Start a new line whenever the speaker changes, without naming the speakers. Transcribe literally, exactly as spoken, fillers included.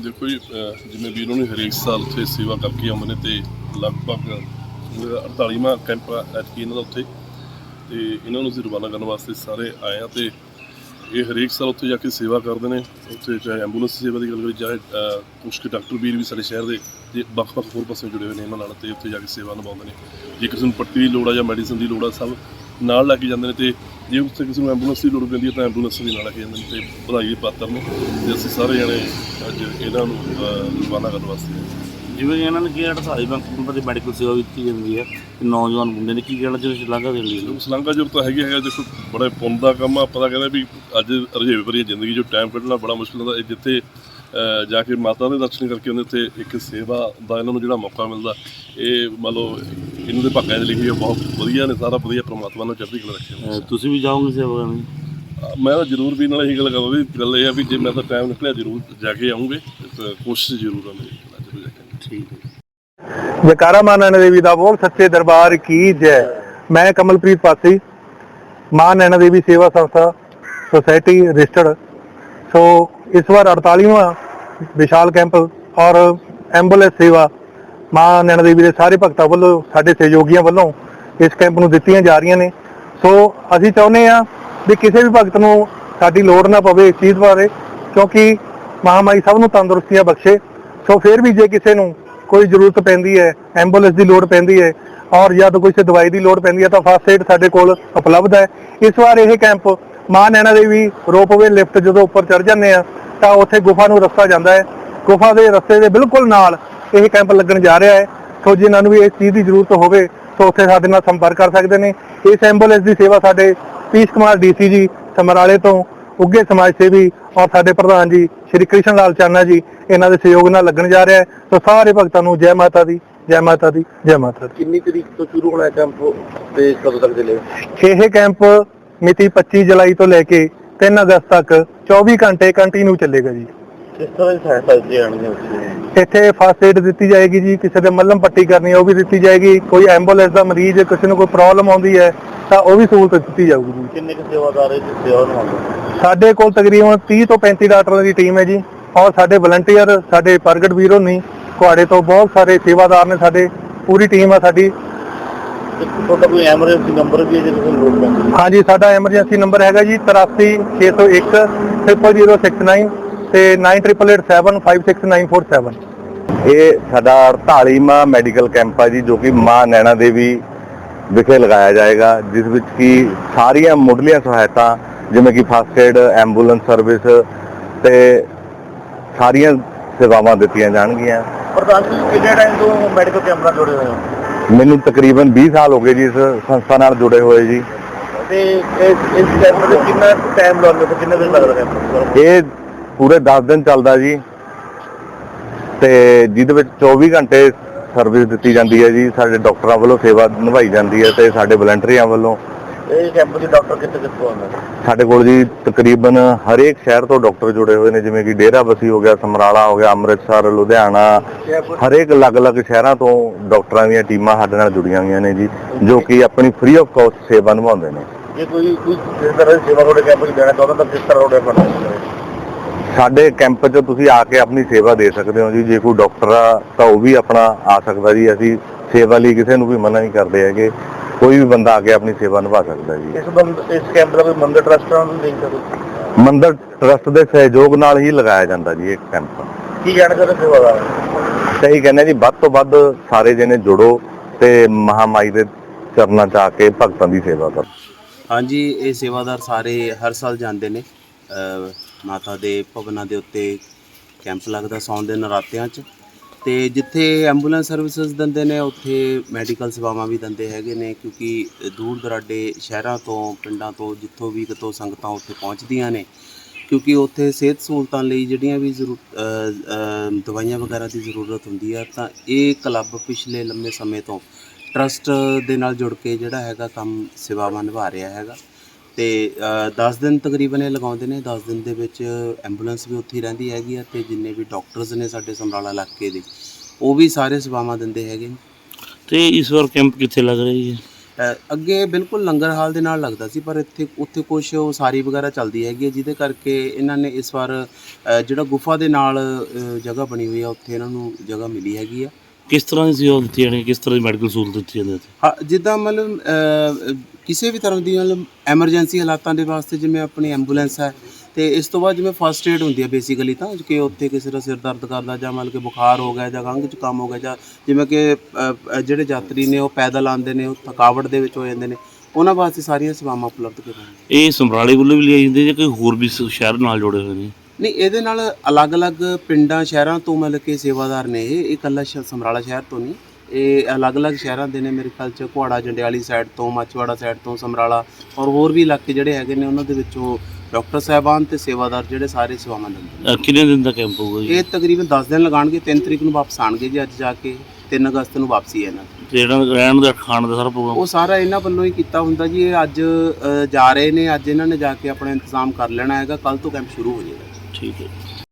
देखो जी जिमें वीर ने हरेक साल उत्थे सेवा करके आਉਂਦੇ ਨੇ ਤੇ ਲਗਭਗ अड़तालीवां कैंप ਐਤਕੀ ਇਹਨਾਂ ਦਾ ਉੱਥੇ ਤੇ ਇਹਨਾਂ ਨੂੰ ਅਸੀਂ ਰਵਾਨਾ ਕਰਨ ਵਾਸਤੇ ਸਾਰੇ ਆਏ ਆ ਤੇ ਇਹ ਹਰੇਕ ਸਾਲ ਉੱਥੇ ਜਾ ਕੇ ਸੇਵਾ ਕਰਦੇ ਨੇ। ਉੱਥੇ ਚਾਹੇ ਐਂਬੂਲੈਂਸ ਸੇਵਾ ਦੀ ਗੱਲ ਕਰੀ ਚਾਹੇ ਕੁਛ ਕੁ ਡਾਕਟਰ ਵੀਰ ਵੀ ਸਾਡੇ ਸ਼ਹਿਰ ਦੇ ਤੇ ਵੱਖ-ਵੱਖ ਹੋਰ ਪਾਸੇ ਜੁੜੇ ਹੋਏ ਨੇ ਇਹਨਾਂ ਨਾਲ ਤੇ ਉੱਥੇ ਜਾ ਕੇ ਸੇਵਾ ਨਿਭਾਉਂਦੇ ਨੇ। ਜੇ ਕਿਸੇ ਨੂੰ ਪੱਟੀ ਦੀ ਲੋੜ ਆ ਜਾਂ ਮੈਡੀਸਨ ਦੀ ਲੋੜ ਆ ਸਭ ਨਾਲ ਲੈ ਕੇ ਜਾਂਦੇ ਨੇ ਤੇ ਜੇ ਉੱਥੇ ਕਿਸੇ ਨੂੰ ਐਂਬੂਲੈਂਸ ਦੀ ਲੋੜ ਪੈਂਦੀ ਹੈ ਤਾਂ ਐਂਬੂਲੈਂਸ ਵੀ ਨਾਲ ਲੈ ਕੇ ਜਾਂਦੇ ਨੇ ਤੇ ਵਧਾਈ ਦੇ ਪਾਤਰ ਨੇ ਤੇ ਅਸੀਂ ਸਾਰੇ ਜਣੇ ਅੱਜ ਇਹਨਾਂ ਨੂੰ ਰਵਾਨਾ ਕਰਨ ਵਾਸਤੇ।
ਜਿਵੇਂ ਇਹਨਾਂ ਨੇ ਕਿਹਾ ਅੜਤਾਲੀ ਬੈਂਕ ਦੀ ਮੈਡੀਕਲ ਸੇਵਾ ਦਿੱਤੀ ਜਾਂਦੀ ਹੈ ਨੌਜਵਾਨ ਮੁੰਡੇ ਨੇ ਕੀ ਕਹਿਣਾ ਚਾਹੁੰਦੇ ਸ਼ਲਾਘਾ ਦੇਣ ਲਈ?
ਸ਼ਲਾਘਾ ਜ਼ਰੂਰ ਤਾਂ ਹੈਗੀ ਹੈਗਾ। ਦੇਖੋ ਬੜੇ ਪੁੰਨ ਦਾ ਕੰਮ ਆ। ਪਤਾ ਕਹਿੰਦੇ ਵੀ ਅੱਜ ਰਜੇਵੇ ਭਰੀ ਜ਼ਿੰਦਗੀ 'ਚੋਂ ਟਾਈਮ ਕੱਢਣਾ ਬੜਾ ਮੁਸ਼ਕਿਲ ਹੁੰਦਾ। ਜਿੱਥੇ ਜਾ ਕੇ ਮਾਤਾ ਦੇ ਦਰਸ਼ਨ ਕਰਕੇ ਉਹਦੇ ਉੱਤੇ ਇੱਕ ਸੇਵਾ ਦਾ ਇਹਨਾਂ ਨੂੰ ਜਿਹੜਾ ਮੌਕਾ ਮਿਲਦਾ ਇਹ ਮੰਨ ਲਓ ਇਹਨਾਂ ਦੇ ਭਾਗਾਂ 'ਚ ਲਿਖੀ ਹੈ। ਬਹੁਤ ਵਧੀਆ ਨੇ, ਸਾਰਾ ਵਧੀਆ ਪਰਮਾਤਮਾ ਨੂੰ ਚੜ੍ਹਦੀ ਕਲਾ ਰੱਖੇ।
ਤੁਸੀਂ ਵੀ ਜਾਓਗੇ ਸੇਵਾ ਕਰਨ?
ਮੈਂ ਤਾਂ ਜ਼ਰੂਰ ਵੀ ਨਾਲ ਇਹੀ ਗੱਲ ਕਰਾਂ ਵੀ ਗੱਲ ਇਹ ਆ ਵੀ ਜੇ ਮੈਂ ਤਾਂ ਟਾਈਮ ਨਿਕਲਿਆ ਜ਼ਰੂਰ ਜਾ ਕੇ ਆਉਂਗੇ। ਕੋਸ਼ਿਸ਼ ਜ਼ਰੂਰ ਆ ਮੇਰੀ ਜ਼ਰੂਰ ਜਾ ਕੇ। ਠੀਕ ਹੈ।
जयकारा मां नैना देवी दा बोल सच्चे दरबार की जय। मैं कमलप्रीत पासी, मां नैना देवी सेवा संस्था सोसाइटी रजिस्टर्ड। सो इस बार अड़तालीवां विशाल कैंप और एंबूलेंस सेवा मां नैना देवी के सारे भगतां वालों साडे सहयोगियों वालों इस कैंप नूं दित्तियां जा रहीआं ने। सो असीं चाहुंदे आ भी किसी भी भगत नूं साडी लोड़ ना पवे इस चीज़ बारे, क्योंकि महामाई सब नूं तंदुरुस्तियां बख्शे। सो फिर भी जे किसी नूं कोई जरूरत पैंदी है, एंबूलेंस की लोड़ पैंदी है और या तो कोई दवाई की लोड़ पैंदी है तो फस्ट एड साडे कोल उपलब्ध है। इस बार यह कैंप मां नैना देवी रोपवे लिफ्ट जो उपर चढ़ जाते हैं तो उत्थे गुफा नूं रस्ता जाता है। गुफा के रस्ते के बिल्कुल नाल यह कैंप लगन जा रहा है। सो जिन्होंने भी इस चीज़ की जरूरत हो तो उत्थे साडे नाल संपर्क कर सकते हैं। इस एंबूलेंस की सेवा साडे पीस कुमार डी सी जी समराले तो उगे समाज सेवी और साडे प्रधान जी श्री कृष्ण लाल चाना जी इन्हां दे सहयोग नाल लगन जा रहा है। तो सारे भगतां नूं जय माता दी, जय माता दी, जय माता दी।
कितनी तारीख तो शुरू होना है कैंप ते कदों तक चलेगा?
यह कैंप मिति पच्चीस जुलाई तो लैके तीन अगस्त तक चौबीस घंटे कंटिन्यू चलेगा जी।
किस तरह की सहायता दी जाएगी?
इत्थे फस्ट एड दी जाएगी जी, किसी दे मलम पट्टी करनी है वो भी दी जाएगी। कोई एंबूलेंस का मरीज किसी को कोई प्रॉब्लम आती है तो वह भी सहूलत दी जाएगी जी।
किन्ने के सेवादार सेवा निभाते?
साडे कोल तकरीबन तीस तो पैंतीस डॉक्टरों की टीम है जी और साडे वलंटियर साडे प्रगट वीर होनी कुआड़े तो बहुत सारे सेवादार ने। साडे पूरी टीम है साडी।
ਤੁਹਾਡਾ ਕੋਈ ਐਮਰਜੈਂਸੀ ਨੰਬਰ ਵੀ ਹੈ ਜੇ ਕਿਸੇ ਨੂੰ ਲੋੜ ਪੈਂਦੀ?
हाँ जी, साडा एमरजेंसी नंबर हैगा जी तिरासी छे सौ एक ट्रिपल जीरो सिक्स नाइन ਤੇ nine triple eight seven five six nine four seven.
ਇਹ ਸਾਡਾ अड़तालीवां ਮੈਡੀਕਲ ਕੈਂਪ ਹੈ ਜੀ ਜੋ ਕਿ ਮਾਂ ਨੈਣਾ ਦੇਵੀ ਵਿਖੇ ਲਗਾਇਆ ਜਾਏਗਾ, ਜਿਸ ਵਿੱਚ ਕਿ ਸਾਰੀਆਂ ਮੁੱਢਲੀਆਂ ਸਹਾਇਤਾ ਜਿਵੇਂ ਕਿ ਫਸਟ ਏਡ, ਐਂਬੂਲੈਂਸ ਸਰਵਿਸ ਤੇ ਸਾਰੀਆਂ ਸੇਵਾਵਾਂ ਦਿੱਤੀਆਂ ਜਾਣਗੀਆਂ।
ਪ੍ਰਧਾਨ ਜੀ ਕਿੰਨੇ ਟਾਈਮ ਤੋਂ ਮੈਡੀਕਲ ਕੈਂਪ ਨਾਲ ਜੁੜੇ ਹੋਏ ਹੋ?
ਮੈਨੂੰ ਤਕਰੀਬਨ ਵੀਹ ਸਾਲ ਹੋ ਗਏ ਜੀ ਇਸ ਸੰਸਥਾ ਨਾਲ ਜੁੜੇ ਹੋਏ ਜੀ।
ਤੇ ਇਸ ਇਸ ਕੈਂਪ ਦੇ ਕਿੰਨਾ ਟਾਈਮ ਲੱਗਦਾ ਤੇ ਕਿੰਨੇ ਦਿਨ ਲੱਗਦਾ ਕੈਂਪ?
ਇਹ ਪੂਰੇ ਦਸ ਦਿਨ ਚੱਲਦਾ ਜੀ ਤੇ ਜਿਹਦੇ ਵਿੱਚ ਚੌਵੀ ਘੰਟੇ ਸਰਵਿਸ ਦਿੱਤੀ ਜਾਂਦੀ ਹੈ ਜੀ। ਸਾਡੇ ਡਾਕਟਰਾਂ ਵੱਲੋਂ ਸੇਵਾ ਨਿਭਾਈ ਜਾਂਦੀ ਹੈ ਤੇ ਸਾਡੇ ਵਲੰਟੀਅਰਾਂ ਵੱਲੋਂ।
ਇਹ ਕੈਂਪ ਦੇ ਡਾਕਟਰ ਕਿੱਥੇ ਕਿੱਥੋਂ ਆਉਂਦੇ?
ਸਾਡੇ ਕੋਲ ਜੀ ਤਕਰੀਬਨ ਹਰੇਕ ਸ਼ਹਿਰ ਤੋਂ ਡਾਕਟਰ ਜੁੜੇ ਹੋਏ ਨੇ, ਜਿਵੇਂ ਕਿ ਡੇਰਾਬੱਸੀ ਹੋ ਗਿਆ, ਸਮਰਾਲਾ ਹੋ ਗਿਆ, ਅੰਮ੍ਰਿਤਸਰ, ਲੁਧਿਆਣਾ, ਹਰੇਕ ਅਲੱਗ-ਅਲੱਗ ਸ਼ਹਿਰਾਂ ਤੋਂ ਡਾਕਟਰਾਂ ਦੀਆਂ ਟੀਮਾਂ ਸਾਡੇ ਨਾਲ ਜੁੜੀਆਂ ਹੋਈਆਂ ਨੇ ਜੀ, ਜੋ ਕਿ ਆਪਣੀ ਫ੍ਰੀ ਆਫ ਕਾਸਟ ਸੇਵਾ ਨਿਭਾਉਂਦੇ ਨੇ।
ਜੇ ਕੋਈ ਕੋਈ ਇਸ ਤਰ੍ਹਾਂ ਦੀ ਸੇਵਾ ਤੁਹਾਡੇ ਕੈਂਪ 'ਚ ਦੇਣਾ ਚਾਹੁੰਦਾ ਤਾਂ ਕਿਸ ਤਰ੍ਹਾਂ ਤੁਹਾਡੇ ਬਣਦਾ?
ਸਾਡੇ ਕੈਂਪ 'ਚ ਤੁਸੀਂ ਆ ਕੇ ਆਪਣੀ ਸੇਵਾ ਦੇ ਸਕਦੇ ਹੋ ਜੀ। ਜੇ ਕੋਈ ਡਾਕਟਰ ਆ ਤਾਂ ਉਹ ਵੀ ਆਪਣਾ ਆ ਸਕਦਾ ਜੀ। ਅਸੀਂ ਸੇਵਾ ਲਈ ਕਿਸੇ ਨੂੰ ਵੀ ਮਨਾ ਨਹੀਂ ਕਰਦੇ ਹੈਗੇ, ਕੋਈ ਵੀ ਬੰਦਾ ਆ ਕੇ ਆਪਣੀ ਸੇਵਾ ਨਿਭਾ ਸਕਦਾ ਜੀ।
ਇਸ ਬੰਦ ਇਸ ਕੈਂਪ ਦਾ ਕੋਈ ਮੰਦਰ ਟਰਸਟ ਨਾਲ ਲਿੰਕ ਕਰੋ?
ਮੰਦਰ ਟਰਸਟ ਦੇ ਸਹਿਯੋਗ ਨਾਲ ਹੀ ਲਗਾਇਆ ਜਾਂਦਾ ਜੀ ਇਹ ਕੈਂਪ।
ਕੀ ਕਹਿਣਾ ਚਾਹੁੰਦੇ ਸੇਵਾਦਾਰ?
ਸਹੀ ਕਹਿੰਦੇ ਜੀ, ਵੱਧ ਤੋਂ ਵੱਧ ਸਾਰੇ ਜਣੇ ਜੁੜੋ ਤੇ ਮਹਾਮਾਈ ਦੇ ਚਰਨਾਂ 'ਚ ਆ ਕੇ ਭਗਤਾਂ ਦੀ ਸੇਵਾ ਕਰੋ।
ਹਾਂਜੀ, ਇਹ ਸੇਵਾਦਾਰ ਸਾਰੇ ਹਰ ਸਾਲ ਜਾਂਦੇ ਨੇ ਮਾਤਾ ਦੇ ਭਵਨਾਂ ਦੇ ਉੱਤੇ ਕੈਂਪ ਲੱਗਦਾ ਸਾਉਣ ਦੇ ਨਰਾਤਿਆਂ 'ਚ। ਤੇ ਜਿੱਥੇ ਐਂਬੂਲੈਂਸ ਸਰਵਿਸਿਜ਼ ਦਿੰਦੇ ਨੇ ਉੱਥੇ ਮੈਡੀਕਲ ਸੇਵਾਵਾਂ ਵੀ ਦਿੰਦੇ ਹੈਗੇ ਨੇ, ਕਿਉਂਕਿ ਦੂਰ ਦਰਾਡੇ ਸ਼ਹਿਰਾਂ ਤੋਂ ਪਿੰਡਾਂ ਤੋਂ ਜਿੱਥੋਂ ਵੀ ਕਿਤੋਂ ਸੰਗਤਾਂ ਉੱਥੇ ਪਹੁੰਚਦੀਆਂ ਨੇ, ਕਿਉਂਕਿ ਉੱਥੇ ਸਿਹਤ ਸਹੂਲਤਾਂ ਲਈ ਜਿਹੜੀਆਂ ਵੀ ਜ਼ਰੂਰ ਦਵਾਈਆਂ ਵਗੈਰਾ ਦੀ ਜ਼ਰੂਰਤ ਹੁੰਦੀ ਆ। ਤਾਂ ਇਹ ਕਲੱਬ ਪਿਛਲੇ ਲੰਮੇ ਸਮੇਂ ਤੋਂ ਟਰਸਟ ਦੇ ਨਾਲ ਜੁੜ ਕੇ ਜਿਹੜਾ ਹੈਗਾ ਕੰਮ ਸੇਵਾਵਾਂ ਨਿਭਾ ਰਿਹਾ ਹੈਗਾ। ਤੇ ਦਸ ਦਿਨ ਤਕਰੀਬਨ ਇਹ ਲਗਾਉਂਦੇ ਨੇ। ਦਸ ਦਿਨ ਦੇ ਵਿੱਚ ਐਂਬੂਲੈਂਸ ਵੀ ਉੱਥੇ ਹੀ ਰਹਿੰਦੀ ਹੈਗੀ ਆ ਤੇ ਜਿੰਨੇ ਵੀ ਡਾਕਟਰਸ ਨੇ ਸਾਡੇ ਸਮਰਾਲਾ ਇਲਾਕੇ ਦੇ ਉਹ ਵੀ ਸਾਰੇ ਸੇਵਾਵਾਂ ਦਿੰਦੇ ਹੈਗੇ ਨੇ।
ਤੇ ਇਸ ਵਾਰ ਕੈਂਪ ਕਿੱਥੇ ਲੱਗ ਰਹੀ ਹੈ?
ਅ, ਅੱਗੇ ਬਿਲਕੁਲ ਲੰਗਰ ਹਾਲ ਦੇ ਨਾਲ ਲੱਗਦਾ ਸੀ, ਪਰ ਇੱਥੇ ਉੱਥੇ ਕੁਛ ਉਸਾਰੀ ਵਗੈਰਾ ਚੱਲਦੀ ਹੈਗੀ ਹੈ, ਜਿਹਦੇ ਕਰਕੇ ਇਹਨਾਂ ਨੇ ਇਸ ਵਾਰ ਅ, ਜਿਹੜਾ ਗੁਫਾ ਦੇ ਨਾਲ ਅ, ਜਗ੍ਹਾ ਬਣੀ ਹੋਈ ਆ ਉੱਥੇ ਇਹਨਾਂ ਨੂੰ ਜਗ੍ਹਾ ਮਿਲੀ ਹੈਗੀ ਆ।
ਕਿਸ ਤਰ੍ਹਾਂ ਦੀ ਸੇਵਾ ਦਿੱਤੀ ਜਾਣੀ, ਕਿਸ ਤਰ੍ਹਾਂ ਦੀ ਮੈਡੀਕਲ ਸਹੂਲਤ ਦਿੱਤੀ ਜਾਂਦੀ ਹੈ ਇੱਥੇ?
ਹਾਂ, ਜਿੱਦਾਂ ਮਤਲਬ ਅ, ਕਿਸੇ ਵੀ ਤਰ੍ਹਾਂ ਦੀ ਮਤਲਬ ਐਮਰਜੈਂਸੀ ਹਾਲਾਤਾਂ ਦੇ ਵਾਸਤੇ ਜਿਵੇਂ ਆਪਣੀ ਐਂਬੂਲੈਂਸ ਹੈ, ਤੇ ਇਸ ਤੋਂ ਬਾਅਦ ਜਿਵੇਂ ਫਸਟ ਏਡ ਹੁੰਦੀ ਹੈ ਬੇਸਿਕਲੀ, ਤਾਂ ਕਿ ਉੱਥੇ ਕਿਸੇ ਦਾ ਸਿਰ ਦਰਦ ਕਰਦਾ ਜਾਂ ਮਤਲਬ ਕਿ ਬੁਖਾਰ ਹੋ ਗਿਆ ਜਾਂ ਖੰਘ ਜ਼ੁਕਾਮ ਹੋ ਗਿਆ, ਜਾਂ ਜਿਵੇਂ ਕਿ ਅ, ਜਿਹੜੇ ਯਾਤਰੀ ਨੇ ਉਹ ਪੈਦਲ ਆਉਂਦੇ ਨੇ, ਉਹ ਥਕਾਵਟ ਦੇ ਵਿੱਚ ਹੋ ਜਾਂਦੇ ਨੇ, ਉਹਨਾਂ ਵਾਸਤੇ ਸਾਰੀਆਂ ਸੇਵਾਵਾਂ ਉਪਲਬਧ ਕਰਵਾਈਆਂ।
ਇਹ ਸਮਰਾਲੇ ਵੱਲੋਂ ਵੀ ਲਿਆਈ ਜਾਂਦੀ ਜਾਂ ਕੋਈ ਹੋਰ ਵੀ ਸ- ਸ਼ਹਿਰ ਨਾਲ ਜੁੜੇ ਹੋਏ ਨੇ?
ਨਹੀਂ, ਇਹਦੇ ਨਾਲ ਅਲੱਗ-ਅਲੱਗ ਪਿੰਡਾਂ ਸ਼ਹਿਰਾਂ ਤੋਂ ਮਤਲਬ ਕਿ ਸੇਵਾਦਾਰ ਨੇ। ਇਹ ਇਹ ਇਕੱਲਾ ਸ਼ ਸਮਰਾਲਾ ਸ਼ਹਿਰ ਤੋਂ ਨਹੀਂ, ਇਹ ਅਲੱਗ-ਅਲੱਗ ਸ਼ਹਿਰਾਂ ਦੇ ਨੇ ਮੇਰੇ ਖਿਆਲ 'ਚ। ਕੁਹਾੜਾ ਜੰਡਿਆਲੀ ਸਾਈਡ ਤੋਂ, ਮਾਚੀਵਾੜਾ ਸਾਈਡ ਤੋਂ, ਸਮਰਾਲਾ ਔਰ ਹੋਰ ਵੀ ਇਲਾਕੇ ਜਿਹੜੇ ਹੈਗੇ ਨੇ, ਉਹਨਾਂ ਦੇ ਵਿੱਚੋਂ ਡਾਕਟਰ ਸਾਹਿਬਾਨ ਤੇ ਸੇਵਾਦਾਰ ਜਿਹੜੇ ਸਾਰੇ ਸੇਵਾਵਾਂ ਦਿੰਦੇ ਨੇ।
ਅ, ਕਿੰਨੇ ਦਿਨ ਦਾ ਕੈਂਪ ਹੋਊਗਾ ਜੀ?
ਇਹ ਤਕਰੀਬਨ ਦਸ ਦਿਨ ਲਗਾਉਣਗੇ। ਤਿੰਨ ਤਰੀਕ ਨੂੰ ਵਾਪਸ ਆਣਗੇ ਜੀ, ਅੱਜ ਜਾ ਕੇ ਤਿੰਨ ਅਗਸਤ ਨੂੰ ਵਾਪਸੀ ਹੈ ਇਹਨਾਂ ਦੀ।
ਤੇ ਜਿਹੜਾ ਰਹਿਣ ਦਾ ਖਾਣ ਦਾ ਸਾਰਾ ਪ੍ਰੋਗਰਾਮ?
ਉਹ ਸਾਰਾ ਇਹਨਾਂ ਵੱਲੋਂ ਹੀ ਕੀਤਾ ਹੁੰਦਾ ਜੀ। ਇਹ ਅੱਜ ਅ, ਜਾ ਰਹੇ ਨੇ, ਅੱਜ ਇਹਨਾਂ ਨੇ ਜਾ ਕੇ ਆਪਣਾ ਇੰਤਜ਼ਾਮ ਕਰ ਲੈਣਾ ਹੈਗਾ, ਕੱਲ ਤੋਂ ਕੈਂਪ ਸ਼ੁਰੂ ਹੋ ਜਾਏਗਾ।
ਠੀਕ ਹੈ।